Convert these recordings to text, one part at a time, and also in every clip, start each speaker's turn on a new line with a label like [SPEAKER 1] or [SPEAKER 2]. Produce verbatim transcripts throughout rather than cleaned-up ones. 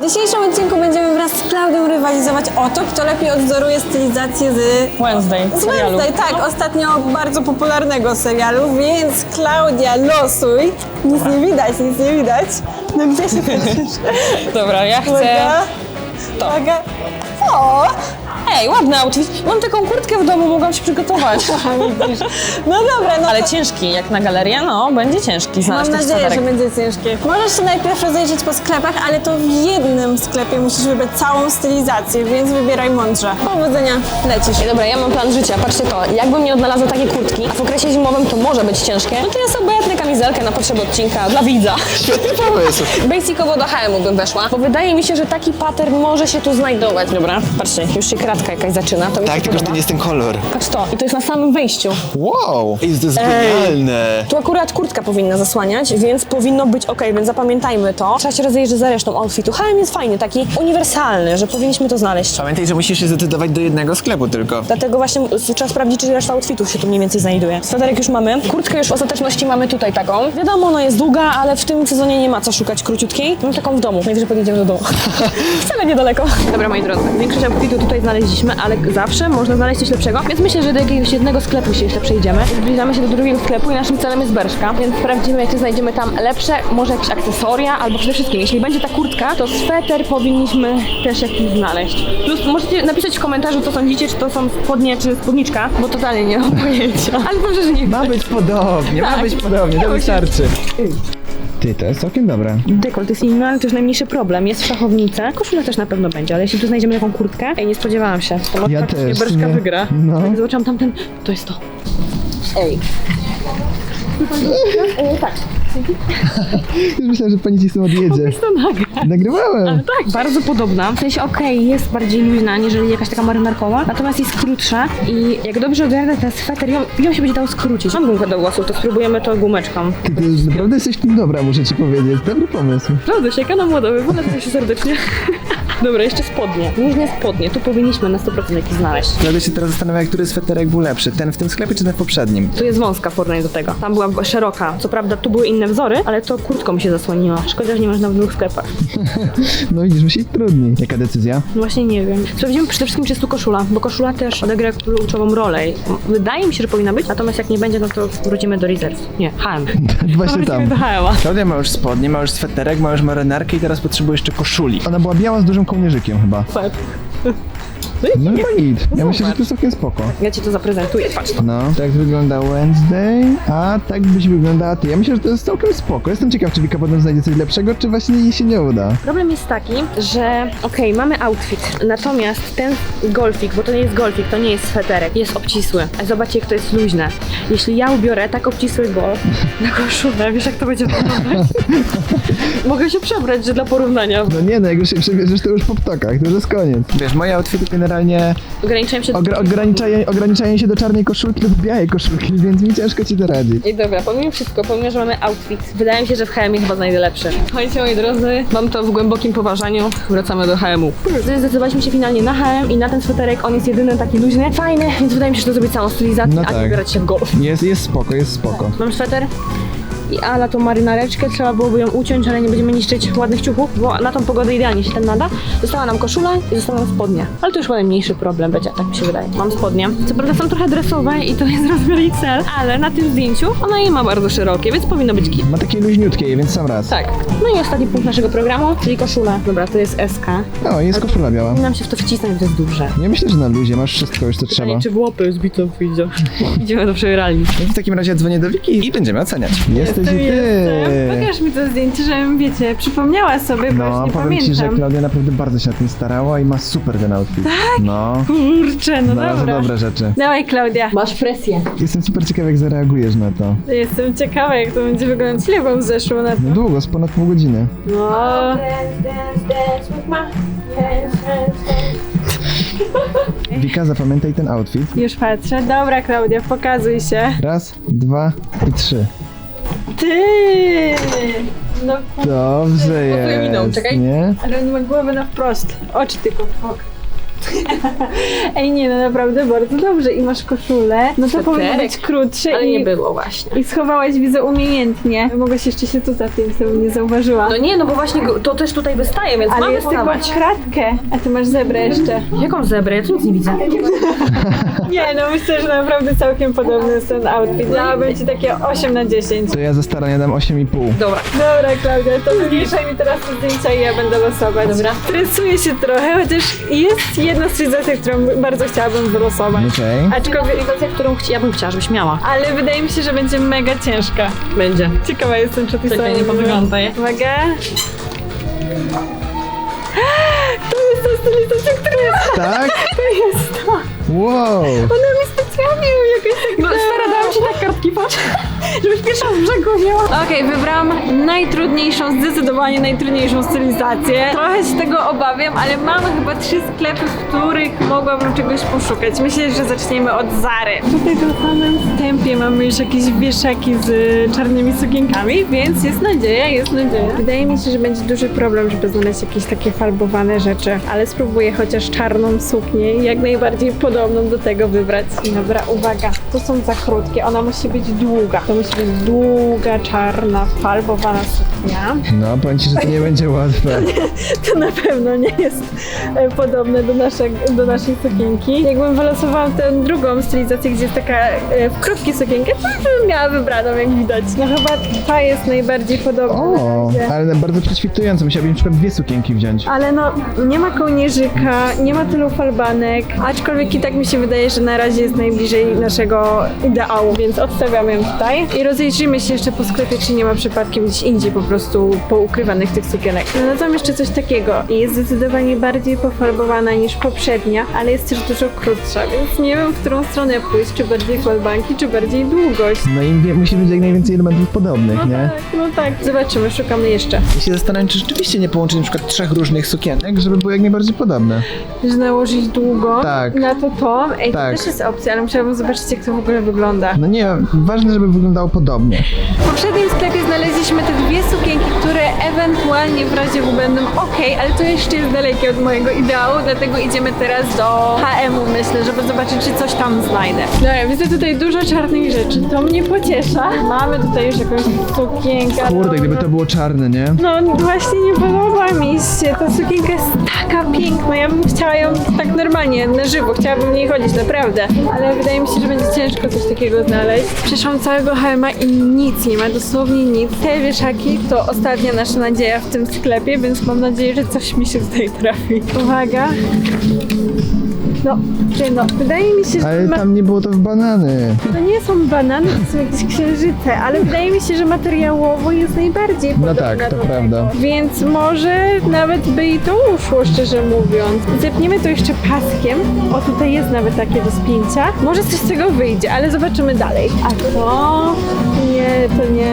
[SPEAKER 1] W dzisiejszym odcinku będziemy wraz z Klaudią rywalizować o to, kto lepiej odwzoruje stylizację z
[SPEAKER 2] Wednesday,
[SPEAKER 1] z
[SPEAKER 2] serialu.
[SPEAKER 1] Wednesday, tak, ostatnio bardzo popularnego serialu, więc Klaudia, losuj. Nic nie widać, nic nie widać. No gdzie się patrzysz?
[SPEAKER 2] Dobra, ja chcę...
[SPEAKER 1] Uwaga,
[SPEAKER 2] to.
[SPEAKER 1] uwaga. O!
[SPEAKER 2] Ej, ładny outfit. Mam taką kurtkę w domu, mogłam się przygotować.
[SPEAKER 1] No dobra, no
[SPEAKER 2] Ale
[SPEAKER 1] to...
[SPEAKER 2] ciężki, jak na galerię, no, będzie ciężki znaleźć
[SPEAKER 1] Mam
[SPEAKER 2] tych
[SPEAKER 1] nadzieję, że
[SPEAKER 2] sweterek.
[SPEAKER 1] będzie ciężkie. Możesz się najpierw rozejrzeć po sklepach, ale to w jednym sklepie musisz wybrać całą stylizację, więc wybieraj mądrze. Powodzenia, lecisz.
[SPEAKER 2] Ej, dobra, ja mam plan życia, patrzcie to. Jakbym nie odnalazła takie kurtki, a w okresie zimowym to może być ciężkie, no to ja sobie obejmę kamizelkę na potrzeby odcinka dla widza.
[SPEAKER 3] Świetny pomysł.
[SPEAKER 2] Basicowo do H and M bym weszła, bo wydaje mi się, że taki pattern może się tu znajdować. Dobra, patrzcie, już się kratka jakaś zaczyna, to mi
[SPEAKER 3] Tak,
[SPEAKER 2] się
[SPEAKER 3] tylko że to
[SPEAKER 2] podoba.
[SPEAKER 3] nie jest ten kolor.
[SPEAKER 2] Patrz to, i to jest na samym wejściu.
[SPEAKER 3] Wow! Ej, to jest genialne.
[SPEAKER 2] Tu akurat kurtka powinna zasłaniać, więc powinno być ok, więc zapamiętajmy to. Trzeba się rozejrzeć za resztą outfitu. H and M jest fajny, taki uniwersalny, że powinniśmy to znaleźć.
[SPEAKER 3] Pamiętaj, że musisz się zdecydować do jednego sklepu tylko.
[SPEAKER 2] Dlatego właśnie trzeba sprawdzić, czy reszta outfitów się tu mniej więcej znajduje. Sweterek już mamy. Kurtkę już w ostateczności mamy tutaj taką. Wiadomo, ona jest długa, ale w tym sezonie nie ma co szukać króciutkiej. Mam taką w domu. Najwyżej podjedziemy do domu. Wcale niedaleko. Dobra, moi drodzy. Większość outfitu tutaj znaleźliśmy, ale zawsze można znaleźć coś lepszego. Więc myślę, że do jakiegoś jednego sklepu się jeszcze przejdziemy. Zbliżamy się do drugiego sklepu i naszym celem jest Berszka. Więc sprawdzimy, czy znajdziemy tam lepsze, może jakieś akcesoria, albo przede wszystkim, jeśli będzie ta kurtka, to sweter powinniśmy też jakiś znaleźć. Plus możecie napisać w komentarzu, co sądzicie, czy to są spodnie, czy spódniczka, bo totalnie nie mam pojęcia. Ale dobrze, że nie
[SPEAKER 3] Ma być podobnie, ma
[SPEAKER 2] Tak.
[SPEAKER 3] być podobnie, to wystarczy. Ty, to jest całkiem dobre.
[SPEAKER 2] Dekolt jest inny, ale to już najmniejszy problem. Jest w szachownicy. Koszula też na pewno będzie, ale jeśli tu znajdziemy taką kurtkę, ej, nie spodziewałam się. To może
[SPEAKER 3] Ja
[SPEAKER 2] faktycznie
[SPEAKER 3] też,
[SPEAKER 2] Berszka
[SPEAKER 3] nie?
[SPEAKER 2] wygra.
[SPEAKER 3] No.
[SPEAKER 2] Jak zobaczyłam tamten, to jest to. Ej. Ej, tak.
[SPEAKER 3] Już myślałem, że pani ci stąd odjedzie.
[SPEAKER 2] To nagra.
[SPEAKER 3] Nagrywałem.
[SPEAKER 2] Tak, bardzo podobna. W sensie okej, jest bardziej luźna, niżeli jakaś taka marynarkowa, natomiast jest krótsza i jak dobrze ogarnę ten sweter, ją, ją się będzie dało skrócić. Mam gumkę do włosów, to spróbujemy to gumeczką.
[SPEAKER 3] Ty, ty naprawdę jesteś tym dobra, muszę ci powiedzieć. Dobry pomysł.
[SPEAKER 2] Prawda, sieka na młodowy, polecam się serdecznie. Dobra, jeszcze spodnie. Luźne spodnie, tu powinniśmy na sto procent jakiś znaleźć.
[SPEAKER 3] Dlatego się teraz zastanawiam, który sweterek był lepszy. Ten w tym sklepie, czy ten w poprzednim?
[SPEAKER 2] Tu jest wąska w porównaniu do tego. Tam była szeroka. Co prawda tu były inne wzory, ale to kurtką mi się zasłoniła. Szkoda, że nie można w dwóch sklepach.
[SPEAKER 3] No widzisz, musi być trudniej. Jaka decyzja?
[SPEAKER 2] No właśnie nie wiem. Sprawdzimy przede wszystkim, czy jest tu koszula, bo koszula też odegra kluczową rolę. Wydaje mi się, że powinna być, natomiast jak nie będzie, no to wrócimy do Reserve. Nie, H and M.
[SPEAKER 3] Właśnie tam.
[SPEAKER 2] Wrócimy do H and M.
[SPEAKER 3] Klaudia ma już spodnie, ma już sweterek, ma już marynarkę i teraz potrzebuje jeszcze koszuli. Ona była biała z dużym kołnierzykiem chyba. No chyba git. Ja myślę, że to jest całkiem spoko.
[SPEAKER 2] Ja ci to zaprezentuję, patrz to.
[SPEAKER 3] No, tak wygląda Wednesday, a tak byś wyglądała ty. Ja myślę, że to jest całkiem spoko. Jestem ciekaw, czy Wika potem znajdzie coś lepszego, czy właśnie jej się nie uda.
[SPEAKER 2] Problem jest taki, że okej, mamy outfit, natomiast ten golfik, bo to nie jest golfik, to nie jest sweterek, jest obcisły. A zobaczcie, jak to jest luźne. Jeśli ja ubiorę tak obcisły golf na koszulę, wiesz jak to będzie wyglądać? Mogę się przebrać, że dla porównania.
[SPEAKER 3] No nie, no jak już się przebierzesz, to już po ptokach, to już jest koniec. Wiesz, moje outfity generalnie
[SPEAKER 2] Ograniczałem się do...
[SPEAKER 3] ogra- ograniczają, ograniczają się do czarnej koszulki lub białej koszulki, więc mi ciężko ci doradzić.
[SPEAKER 2] I dobra, pomimo wszystko, pomimo, że mamy outfit, wydaje mi się, że w H and M chyba znajdę lepszy. Słuchajcie, moi drodzy, mam to w głębokim poważaniu, wracamy do H and M. Zdecydowaliśmy się finalnie na H and M i na ten sweterek, on jest jedyny taki luźny, fajny, więc wydaje mi się, że to zrobić całą stylizację,
[SPEAKER 3] No
[SPEAKER 2] a nie
[SPEAKER 3] tak.
[SPEAKER 2] wybierać się w golf.
[SPEAKER 3] Jest, jest spoko, jest spoko.
[SPEAKER 2] Mam sweter i a na tą marynareczkę trzeba byłoby ją uciąć, ale nie będziemy niszczyć ładnych ciuchów, bo na tą pogodę idealnie się ten nada. Została nam koszula i zostały nam spodnie. Ale to już chyba mniejszy problem będzie, tak mi się wydaje. Mam spodnie. Co prawda są trochę dresowe i to jest rozmiar X L, ale na tym zdjęciu ona je ma bardzo szerokie, więc powinno być git.
[SPEAKER 3] Ma takie luźniutkie, więc sam raz.
[SPEAKER 2] Tak. No i ostatni punkt naszego programu, czyli koszula. Dobra, to jest S K.
[SPEAKER 3] O, jest koszula biała.
[SPEAKER 2] Powinnam się w to wcisnąć, bo to jest duże.
[SPEAKER 3] Ja myślę, że na luzie masz wszystko już, co trzeba.
[SPEAKER 2] Pytanie, czy w łopy z bitą wyjdzie. Idziemy do przegrali.
[SPEAKER 3] W takim razie dzwonię do Wiki i będziemy oceniać. Jesteś i ty.
[SPEAKER 1] Jestem. Pokaż mi to zdjęcie, żebym, wiecie, przypomniała sobie, bo
[SPEAKER 3] No,
[SPEAKER 1] już nie
[SPEAKER 3] powiem ci, że
[SPEAKER 1] pamiętam.
[SPEAKER 3] Klaudia naprawdę bardzo się na tym starała i ma super ten outfit. Tak? No,
[SPEAKER 1] Kurczę, no
[SPEAKER 3] znalazła
[SPEAKER 1] dobra.
[SPEAKER 3] dobre rzeczy.
[SPEAKER 1] Dawaj, Klaudia.
[SPEAKER 2] Masz presję.
[SPEAKER 3] Jestem super ciekaw, jak zareagujesz na to.
[SPEAKER 1] Jestem ciekawa, jak to będzie wyglądać. Ile wam zeszło na to?
[SPEAKER 3] No długo, z ponad pół godziny.
[SPEAKER 1] No.
[SPEAKER 3] Wika, zapamiętaj ten outfit.
[SPEAKER 1] Już patrzę. Dobra, Klaudia, pokazuj się.
[SPEAKER 3] Raz, dwa i trzy.
[SPEAKER 1] Ty! No,
[SPEAKER 3] Dobrze
[SPEAKER 2] Pasuje mi dom,
[SPEAKER 3] jest,
[SPEAKER 2] czekaj.
[SPEAKER 3] nie?
[SPEAKER 1] ale on ma głowę na wprost. Oczy tylko. Ok. Ej, nie, no naprawdę bardzo dobrze. I masz koszulę, no to
[SPEAKER 2] Sweterek.
[SPEAKER 1] powinno być krótsze
[SPEAKER 2] Ale
[SPEAKER 1] i...
[SPEAKER 2] nie było właśnie.
[SPEAKER 1] I schowałaś, widzę, umiejętnie. Mogłaś jeszcze się tu zapiąć, to bym nie zauważyła.
[SPEAKER 2] No nie, no bo właśnie go- to też tutaj wystaje, więc
[SPEAKER 1] Ale
[SPEAKER 2] mamy
[SPEAKER 1] jest tylko
[SPEAKER 2] schować.
[SPEAKER 1] w kratkę, a ty masz zebrę jeszcze.
[SPEAKER 2] Jaką zebrę? Ja tu nic nie widzę.
[SPEAKER 1] Nie, no myślę, że naprawdę całkiem podobny jest ten outfit. Dałabym ci takie osiem na dziesięć.
[SPEAKER 3] To ja za starania dam osiem i pół.
[SPEAKER 2] Dobra.
[SPEAKER 1] Dobra, Klaudia, to wymniejszaj mi teraz te zdjęcia i ja będę losować.
[SPEAKER 2] Dobra.
[SPEAKER 1] Stresuję się trochę, chociaż jest jedna stylizacja, którą bardzo chciałabym wylosować.
[SPEAKER 3] Okej.
[SPEAKER 1] Aczkolwiek,
[SPEAKER 2] Stylizacja, którą chci- ja bym chciała, żebyś miała.
[SPEAKER 1] ale wydaje mi się, że będzie mega ciężka.
[SPEAKER 2] Będzie.
[SPEAKER 1] Ciekawa jestem, czy ty
[SPEAKER 2] Czekaj,
[SPEAKER 1] sobie
[SPEAKER 2] nie podglądaj.
[SPEAKER 1] Uwaga. To jest ta stylizacja, która jest...
[SPEAKER 3] Tak?
[SPEAKER 1] To jest to.
[SPEAKER 3] Wow.
[SPEAKER 1] Ona mi specjalnie ją jakoś tak...
[SPEAKER 2] No stara, dałam ci tak kartki, patrz.
[SPEAKER 1] Żebyś pierwsza z brzegu wzięła. Okej, wybrałam najtrudniejszą, zdecydowanie najtrudniejszą stylizację. Trochę się tego obawiam, ale mamy chyba trzy sklepy, w których mogłabym czegoś poszukać. Myślę, że zaczniemy od Zary. Tutaj na samym wstępie mamy już jakieś wieszaki z czarnymi sukienkami, więc jest nadzieja, jest nadzieja. Wydaje mi się, że będzie duży problem, żeby znaleźć jakieś takie farbowane rzeczy, ale spróbuję chociaż czarną suknię, jak najbardziej podobną do tego wybrać. Dobra, uwaga, to są za krótkie, ona musi być długa. To musi być długa, czarna, farbowana suknia.
[SPEAKER 3] No, powiem ci, że to nie będzie łatwe.
[SPEAKER 1] To na pewno nie jest e, podobne do, naszej do naszej sukienki. Jakbym wylosowała tę drugą stylizację, gdzie jest taka e, w krótkie sukienkę, to bym miała wybraną, jak widać. No chyba ta jest najbardziej podobna.
[SPEAKER 3] O,
[SPEAKER 1] na razie.
[SPEAKER 3] ale bardzo prześwitująco. Musiałabym na przykład dwie sukienki wziąć.
[SPEAKER 1] Ale no, nie ma kołnierzyka, nie ma tylu falbanek, aczkolwiek i tak mi się wydaje, że na razie jest najbliżej naszego ideału, więc odstawiamy ją tutaj i rozejrzyjmy się jeszcze po sklepie, czy nie ma przypadkiem gdzieś indziej po prostu poukrywanych tych sukienek. Znalazłam jeszcze coś takiego i jest zdecydowanie bardziej pofarbowana niż poprzednia, ale jest też dużo krótsza, więc nie wiem, w którą stronę pójść, czy bardziej falbanki, czy bardziej długość.
[SPEAKER 3] No i wie, musi być jak najwięcej elementów podobnych,
[SPEAKER 1] No
[SPEAKER 3] nie?
[SPEAKER 1] tak, no tak. Zobaczymy, szukamy jeszcze.
[SPEAKER 3] Ja się zastanawiam, czy rzeczywiście nie połączyć na przykład trzech różnych sukienek, żeby były jak najbardziej podobne.
[SPEAKER 1] Że nałożyć długo
[SPEAKER 3] Tak.
[SPEAKER 1] na to to. Ej,
[SPEAKER 3] Tak.
[SPEAKER 1] to też jest opcja, ale musiałabym zobaczyć, jak to w ogóle wygląda.
[SPEAKER 3] No nie, ważne, żeby wyglądało podobnie.
[SPEAKER 1] W poprzednim sklepie znaleźliśmy te dwie sukienki, które ewentualnie w razie W będą ok, ale to jeszcze jest dalekie od mojego ideału, dlatego idziemy teraz do H and M-u, myślę, żeby zobaczyć, czy coś tam znajdę. Dobra, widzę tutaj dużo czarnych rzeczy, to mnie pociesza. Mamy tutaj już jakąś sukienkę.
[SPEAKER 3] Kurde, gdyby to było czarne, nie?
[SPEAKER 1] No właśnie nie podoba mi się, ta sukienka jest taka piękna, ja bym chciała ją tak normalnie, na żywo, chciałabym w niej chodzić, naprawdę. Ale wydaje mi się, że będzie ciężko coś takiego znaleźć. Przeszłam całego H and M-a i nic nie ma, dosłownie nic. Te wieszaki to ostatnia nasza nadzieja w tym sklepie, więc mam nadzieję, że coś mi się tutaj trafi. Uwaga. No, ty no, wydaje mi się, że
[SPEAKER 3] Ale
[SPEAKER 1] ma...
[SPEAKER 3] tam nie było to w banany.
[SPEAKER 1] to nie są banany, to są jakieś księżyce, ale wydaje mi się, że materiałowo jest najbardziej
[SPEAKER 3] No
[SPEAKER 1] podobna
[SPEAKER 3] tak, to
[SPEAKER 1] do
[SPEAKER 3] prawda.
[SPEAKER 1] tego. Więc może nawet by i to uszło, szczerze mówiąc. Zepniemy to jeszcze paskiem. O, tutaj jest nawet takie do spięcia. Może coś z tego wyjdzie, ale zobaczymy dalej. A to... Nie, to nie...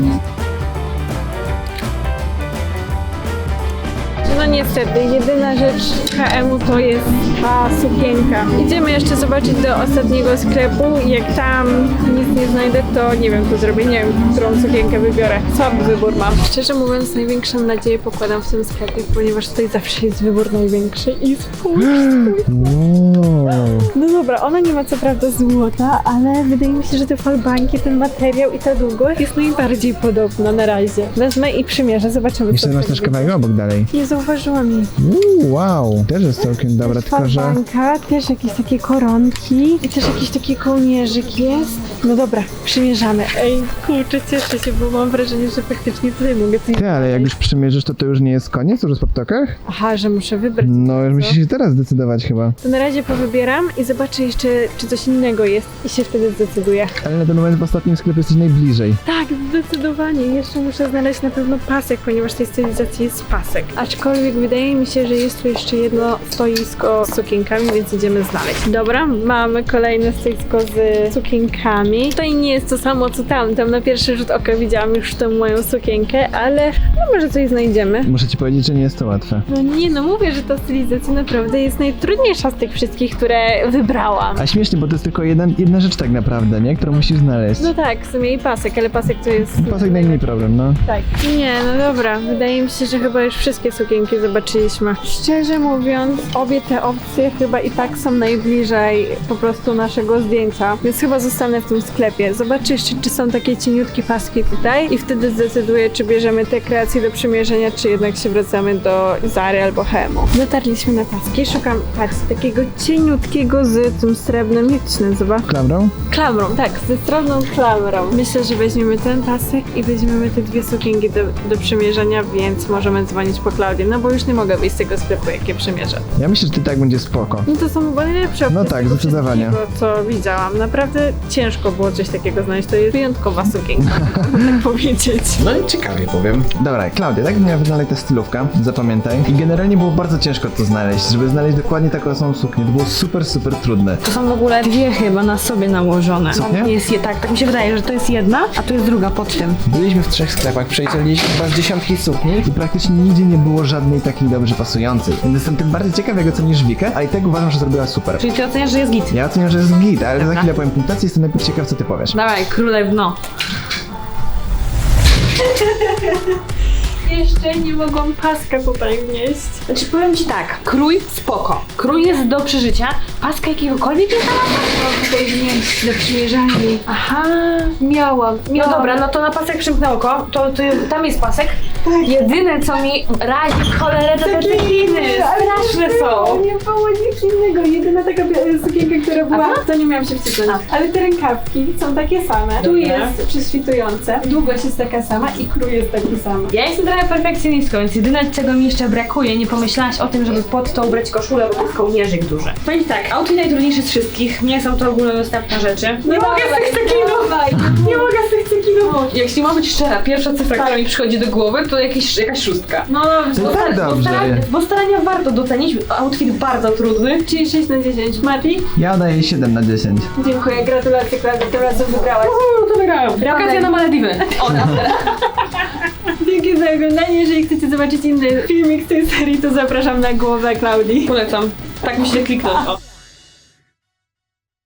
[SPEAKER 1] No niestety, jedyna rzecz H and M-u to jest ta sukienka. Idziemy jeszcze zobaczyć do ostatniego sklepu. Jak tam nic nie znajdę, to nie wiem co zrobię, nie wiem, którą sukienkę wybiorę. Słaby wybór mam. Szczerze mówiąc, największą nadzieję pokładam w tym sklepie, ponieważ tutaj zawsze jest wybór największy i spójrz.
[SPEAKER 3] Wow.
[SPEAKER 1] No dobra, ona nie ma co prawda złota, ale wydaje mi się, że te falbanki, ten materiał i ta długość jest najbardziej podobna na razie. Wezmę i przymierzę, zobaczymy
[SPEAKER 3] Jeszcze
[SPEAKER 1] co
[SPEAKER 3] masz
[SPEAKER 1] z tego
[SPEAKER 3] też kawałek obok dalej.
[SPEAKER 1] Nie zauważyłam jej.
[SPEAKER 3] Uuu, wow. Też jest całkiem dobra, tylko że...
[SPEAKER 1] Falbanka, też jakieś takie koronki i też jakiś taki kołnierzyk jest. No dobra, przymierzamy. Ej, kurczę, cieszę się, bo mam wrażenie, że faktycznie tutaj mogę coś
[SPEAKER 3] Ty, ale jak już przymierzysz, to to już nie jest koniec? Już jest po ptokach?
[SPEAKER 1] Aha, że muszę wybrać.
[SPEAKER 3] No, już
[SPEAKER 1] co?
[SPEAKER 3] musisz się teraz zdecydować chyba.
[SPEAKER 1] To na razie powybieram i zobaczę jeszcze, czy coś innego jest i się wtedy zdecyduję.
[SPEAKER 3] Ale na ten moment w ostatnim sklepie jesteś najbliżej.
[SPEAKER 1] Tak, zdecydowanie. Jeszcze muszę znaleźć na pewno pasek, ponieważ w tej stylizacji jest pasek. Aczkolwiek wydaje mi się, że jest tu jeszcze jedno stoisko z sukienkami, więc idziemy znaleźć. Dobra, mamy kolejne stoisko z sukienkami. Tutaj nie jest to samo co tam. Tam na pierwszy rzut oka widziałam już tę moją sukienkę, ale no może coś znajdziemy.
[SPEAKER 3] Muszę ci powiedzieć, że nie jest to łatwe.
[SPEAKER 1] No nie, no mówię, że ta stylizacja naprawdę jest najtrudniejsza z tych wszystkich, które wybrałam.
[SPEAKER 3] A śmiesznie, bo to jest tylko jedna, jedna rzecz tak naprawdę, nie? Którą musisz znaleźć.
[SPEAKER 1] No tak, w sumie i pasek, ale pasek to jest...
[SPEAKER 3] Pasek najmniej problem, no.
[SPEAKER 1] Tak. Nie, no dobra. Wydaje mi się, że chyba już wszystkie sukienki sukienki zobaczyliśmy. Szczerze mówiąc, obie te opcje chyba i tak są najbliżej po prostu naszego zdjęcia, więc chyba zostanę w tym sklepie. Zobaczę jeszcze, czy są takie cieniutkie paski tutaj i wtedy zdecyduję, czy bierzemy te kreacje do przymierzenia, czy jednak się wracamy do Zary albo Hemu. Dotarliśmy na paski, szukam, patrz, takiego cieniutkiego z tym srebrnym, jak to się nazywa?
[SPEAKER 3] Klamrą?
[SPEAKER 1] Klamrą, tak, ze srebrną klamrą. Myślę, że weźmiemy ten pasek i weźmiemy te dwie sukienki do, do przymierzenia, więc możemy dzwonić po Klaudię, no bo już nie mogę wyjść z tego sklepu, jak je przymierzę.
[SPEAKER 3] Ja myślę, że ty tak będzie spoko.
[SPEAKER 1] No to są chyba najlepsze opcje
[SPEAKER 3] No
[SPEAKER 1] z
[SPEAKER 3] tak,
[SPEAKER 1] tego
[SPEAKER 3] zdecydowanie.
[SPEAKER 1] wszystkiego, co widziałam. Naprawdę ciężko było coś takiego znaleźć. To jest wyjątkowa sukienka, można tak powiedzieć.
[SPEAKER 4] No i ciekawie powiem.
[SPEAKER 3] Dobra, Klaudia, tak miała wyglądać ta stylówka, zapamiętaj. I generalnie było bardzo ciężko to znaleźć, żeby znaleźć dokładnie taką samą suknię. To było super, super trudne.
[SPEAKER 2] To są w ogóle dwie chyba na sobie nałożone.
[SPEAKER 3] Co, nie?
[SPEAKER 2] Jest je tak, tak mi się wydaje, że to jest jedna, a to jest druga pod tym.
[SPEAKER 3] Byliśmy w trzech sklepach, przejrzeliśmy chyba z dziesiątki sukni i praktycznie nigdzie nie było żadnej takiej dobrze pasującej. Więc jestem tym bardziej ciekaw, jak ocenisz Wikę, a i tak uważam, że zrobiła super.
[SPEAKER 2] Czyli ty oceniasz, że jest git.
[SPEAKER 3] Ja oceniam, że jest git, ale za
[SPEAKER 2] Dobra.
[SPEAKER 3] chwilę powiem punktację, jestem najpierw ciekaw, co ty powiesz.
[SPEAKER 2] Dawaj, królewno.
[SPEAKER 1] Jeszcze nie mogłam paska tutaj wnieść.
[SPEAKER 2] Znaczy powiem ci tak, krój spoko. Krój jest do przeżycia. Paska jakiegokolwiek jest na
[SPEAKER 1] Mam tutaj wnieść do przymierzalni.
[SPEAKER 2] Aha.
[SPEAKER 1] Miałam,
[SPEAKER 2] No
[SPEAKER 1] miałam.
[SPEAKER 2] dobra, no to na pasek przymknę oko. To, to tam jest pasek. Jedyne co mi razi w cholerę to te tekiny. Straszne są.
[SPEAKER 1] Nie było nic innego. Jedyna taka bia- sukienka, która była, to nie miałam się wcisnąć. Ale te rękawki są takie same. Tu jest prześwitujące, długość jest taka sama i krój jest taki sam.
[SPEAKER 2] Ja jestem trochę perfekcjonistką, więc jedyne czego mi jeszcze brakuje, nie pomyślałaś o tym, żeby pod to ubrać koszulę, bo to jest kołnierzyk duży. Powiem ci tak, outfit najtrudniejszy z wszystkich, nie są to ogólnodostępne rzeczy. Nie mogę z tych cekinów! Nie mogę z tych cekinów! Jeśli ma być szczera, pierwsza cyfra, która mi przychodzi do głowy, to jakieś, jakaś szóstka.
[SPEAKER 1] No dobrze.
[SPEAKER 3] To i tak
[SPEAKER 2] Bo,
[SPEAKER 3] dobrze.
[SPEAKER 2] starania, bo starania warto docenić, outfit bardzo trudny.
[SPEAKER 1] Czyli sześć na dziesięć. Mati?
[SPEAKER 3] Ja daję siedem na dziesięć.
[SPEAKER 1] Dziękuję, gratulacje Klaudia, tym razem wygrałaś.
[SPEAKER 2] Uuu, to wygrałem. Wakacja na Malediwy. Ona.
[SPEAKER 1] Dzięki za oglądanie. Jeżeli chcecie zobaczyć inny filmik z tej serii, to zapraszam na głowę Klaudii.
[SPEAKER 2] Polecam. Tak mi się kliknąć. O.